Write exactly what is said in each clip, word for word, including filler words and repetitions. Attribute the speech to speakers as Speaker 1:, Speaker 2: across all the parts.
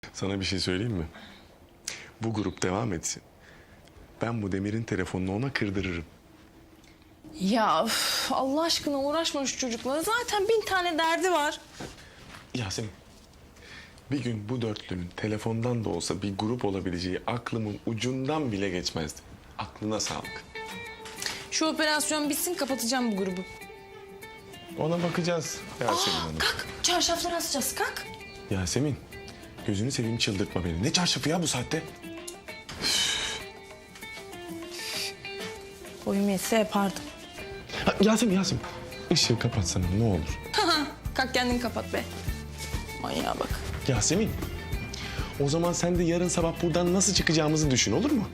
Speaker 1: Sana bir şey söyleyeyim mi? Bu grup devam etsin. Ben bu Demir'in telefonunu ona kırdırırım.
Speaker 2: Ya üf, Allah aşkına uğraşma şu çocukla. Zaten bin tane derdi var.
Speaker 1: Yasemin, bir gün bu dörtlünün telefondan da olsa bir grup olabileceği aklımın ucundan bile geçmezdi. Aklına sağlık.
Speaker 2: Şu operasyon bitsin, kapatacağım bu grubu.
Speaker 1: Ona bakacağız Yasemin
Speaker 2: Aa,
Speaker 1: Hanım.
Speaker 2: kalk, çarşafları asacağız, kalk.
Speaker 1: Yasemin, gözünü seveyim, çıldırtma beni. Ne çarşafı ya bu saatte?
Speaker 2: Boyum yetse yapardım.
Speaker 1: Ha, Yasemin, Yasemin. Işığı kapatsana ne olur.
Speaker 2: Kalk kendin kapat be. Manyağa bak.
Speaker 1: Yasemin, o zaman sen de yarın sabah buradan nasıl çıkacağımızı düşün, olur mu?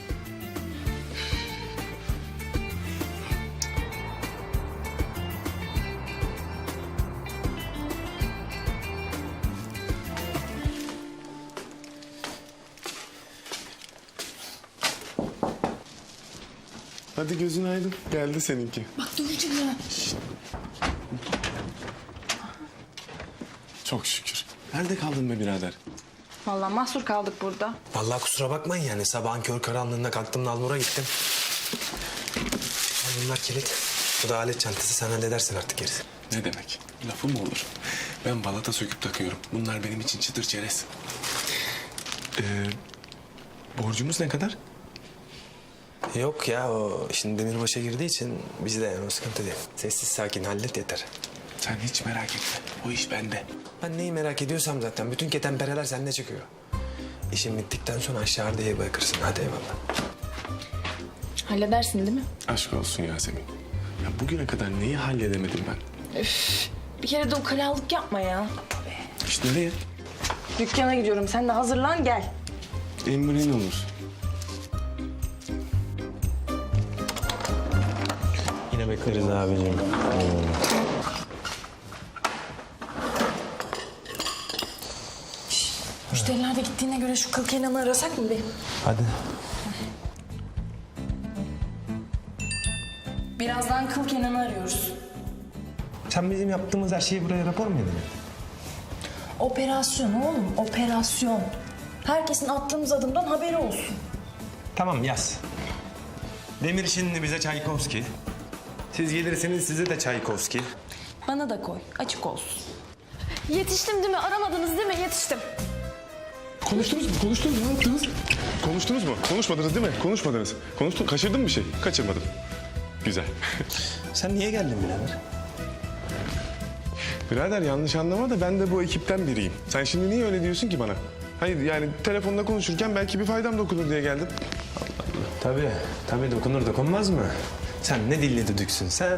Speaker 1: Hadi gözün aydın. Geldi seninki.
Speaker 2: Bak Dönücüm ya.
Speaker 1: Çok şükür. Nerede kaldın be birader?
Speaker 2: Vallahi mahsur kaldık burada.
Speaker 3: Vallahi kusura bakmayın yani sabahın kör karanlığında kalktım Nalbur'a gittim. Al bunlar kilit. Bu da alet çantası, sen halledersin artık gerisi.
Speaker 1: Ne demek? Lafı mı olur? Ben balata söküp takıyorum. Bunlar benim için çıtır çerez. Ee, borcumuz ne kadar?
Speaker 3: Yok ya, o şimdi Demirbaş'a girdiği için bizde yani o sıkıntı değil. Sessiz sakin hallet yeter.
Speaker 1: Sen hiç merak etme. O iş bende.
Speaker 3: Ben neyi merak ediyorsam zaten bütün ketenpereler sende çıkıyor. İşin bittikten sonra aşağı diye bırakırsın, hadi eyvallah.
Speaker 2: Halledersin değil mi?
Speaker 1: Aşk olsun Yasemin. Ya bugüne kadar neyi halledemedim ben?
Speaker 2: Üf, bir kere de ukalalık yapma ya.
Speaker 1: İşte nereye?
Speaker 2: Dükkana gidiyorum, sen de hazırlan gel.
Speaker 1: Emrin olur.
Speaker 3: Yine bekleriz abicim.
Speaker 2: Müşteriler de gittiğine göre şu kıl Kenan'ı arasak mı be?
Speaker 3: Hadi.
Speaker 2: Birazdan kıl Kenan'ı arıyoruz.
Speaker 3: Sen bizim yaptığımız her şeyi buraya rapor mu edin?
Speaker 2: Operasyon oğlum, operasyon. Herkesin attığımız adımdan haberi olsun.
Speaker 3: Tamam yaz. Demir şimdi bize Çaykovski. Siz gelirseniz size de Çaykovski.
Speaker 2: Bana da koy, açık olsun.
Speaker 4: Yetiştim değil mi? Aramadınız değil mi? Yetiştim.
Speaker 1: Konuştunuz mu? Konuştunuz mu? Ne yaptınız? Konuştunuz mu? Konuşmadınız değil mi? Konuşmadınız. Konuştun. Kaçırdın mı bir şey? Kaçırmadım. Güzel.
Speaker 3: Sen niye geldin birader?
Speaker 1: Birader yanlış anlama da ben de bu ekipten biriyim. Sen şimdi niye öyle diyorsun ki bana? Hayır yani telefonda konuşurken belki bir faydam dokunur diye geldim.
Speaker 3: Tabii, tabii dokunur dokunmaz mı? Sen ne dilli düdüksün sen.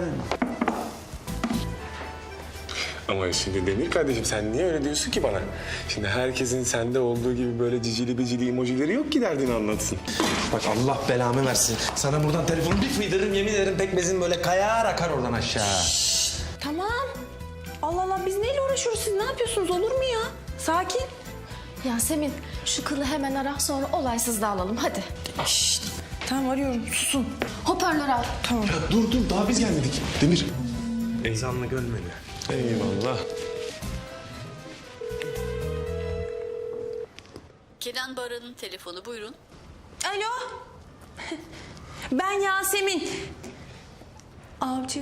Speaker 1: Ama şimdi Demir kardeşim sen niye öyle diyorsun ki bana? Şimdi herkesin sende olduğu gibi böyle cicili bicili emojileri yok ki derdini anlatsın.
Speaker 3: Bak Allah belamı versin. Sana buradan telefonu bir fıydırırım, yemin ederim pekmezin böyle kayar akar oradan aşağı.
Speaker 2: Tamam. Allah Allah, biz neyle uğraşıyoruz? Siz ne yapıyorsunuz? Olur mu ya? Sakin.
Speaker 4: Yasemin şu kılı hemen ara, sonra olaysız dağılalım hadi.
Speaker 2: Şşt. Tamam, arıyorum. Susun.
Speaker 4: Hoparlör al.
Speaker 2: Tamam.
Speaker 1: Ya dur dur daha biz gelmedik. Demir.
Speaker 3: Ezanla göl beni.
Speaker 1: Eyvallah.
Speaker 5: Kenan Baran'ın telefonu, buyurun.
Speaker 2: Alo. Ben Yasemin. Avcı.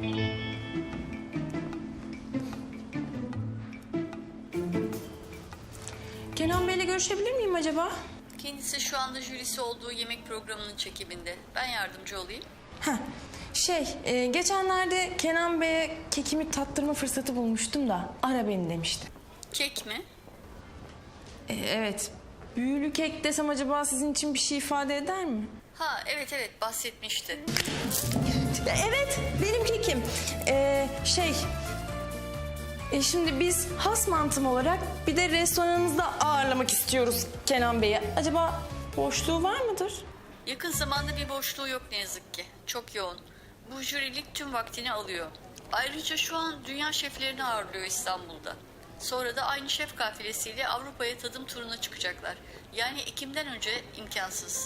Speaker 2: Kenan Bey'le görüşebilir miyim acaba?
Speaker 5: Kendisi şu anda jürisi olduğu yemek programının çekiminde. Ben yardımcı olayım.
Speaker 2: Heh. Şey, e, geçenlerde Kenan Bey'e kekimi tattırma fırsatı bulmuştum da ara beni demişti.
Speaker 5: Kek mi?
Speaker 2: E, evet. Büyülü kek desem acaba sizin için bir şey ifade eder mi?
Speaker 5: Ha evet evet bahsetmişti.
Speaker 2: Evet, benim kekim. Ee, şey... E şimdi biz has mantım olarak bir de restoranınızda ağırlamak istiyoruz Kenan Bey'i. Acaba boşluğu var mıdır?
Speaker 5: Yakın zamanda bir boşluğu yok ne yazık ki. Çok yoğun. Bu jürilik tüm vaktini alıyor. Ayrıca şu an dünya şeflerini ağırlıyor İstanbul'da. Sonra da aynı şef kafilesiyle Avrupa'ya tadım turuna çıkacaklar. Yani Ekim'den önce imkansız.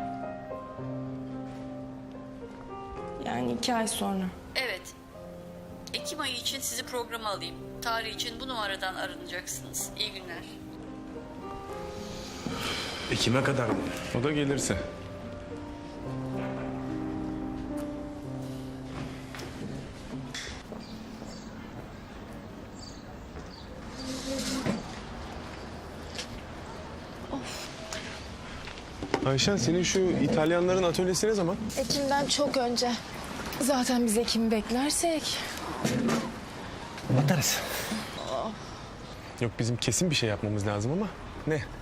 Speaker 2: Yani iki ay sonra.
Speaker 5: Evet. Ekim ayı için sizi programa alayım. Tarih için bu numaradan aranacaksınız. İyi günler.
Speaker 3: Ekim'e kadar mı?
Speaker 1: O da gelirse. Ayşen, senin şu İtalyanların atölyesi ne zaman?
Speaker 4: Ekim'den çok önce. Zaten biz Ekim'i beklersek.
Speaker 3: Batarız.
Speaker 1: Yok, bizim kesin bir şey yapmamız lazım ama ne?